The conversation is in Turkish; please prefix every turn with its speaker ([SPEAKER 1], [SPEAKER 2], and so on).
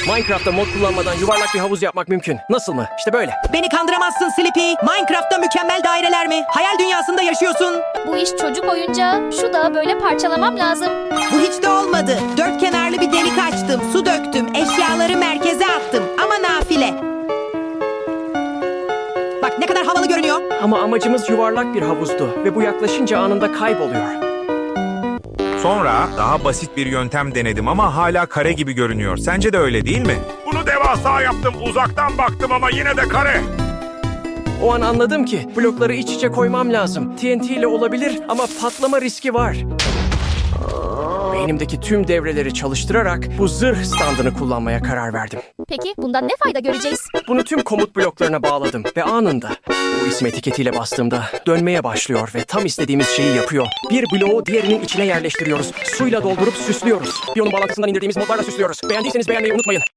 [SPEAKER 1] Minecraft'ta mod kullanmadan yuvarlak bir havuz yapmak mümkün. Nasıl mı? İşte böyle.
[SPEAKER 2] Beni kandıramazsın Sleepy. Minecraft'ta mükemmel daireler mi? Hayal dünyasında yaşıyorsun.
[SPEAKER 3] Bu iş çocuk oyuncağı. Şu dağı böyle parçalamam lazım.
[SPEAKER 2] Bu hiç de olmadı. Dört kenarlı bir delik açtım, su döktüm, eşyaları merkeze attım. Ama nafile. Bak ne kadar havalı görünüyor.
[SPEAKER 1] Ama amacımız yuvarlak bir havuzdu ve bu yaklaşınca anında kayboluyor.
[SPEAKER 4] Sonra daha basit bir yöntem denedim ama hala kare gibi görünüyor. Sence de öyle değil mi?
[SPEAKER 5] Bunu devasa yaptım. Uzaktan baktım ama yine de kare.
[SPEAKER 1] O an anladım ki blokları iç içe koymam lazım. TNT ile olabilir ama patlama riski var. Beynimdeki tüm devreleri çalıştırarak bu zırh standını kullanmaya karar verdim.
[SPEAKER 3] Peki bundan ne fayda göreceğiz?
[SPEAKER 1] Bunu tüm komut bloklarına bağladım ve anında bu isim etiketiyle bastığımda dönmeye başlıyor ve tam istediğimiz şeyi yapıyor. Bir bloğu diğerinin içine yerleştiriyoruz. Suyla doldurup süslüyoruz. Bir onun bağlantısından indirdiğimiz modlarla süslüyoruz. Beğendiyseniz beğenmeyi unutmayın.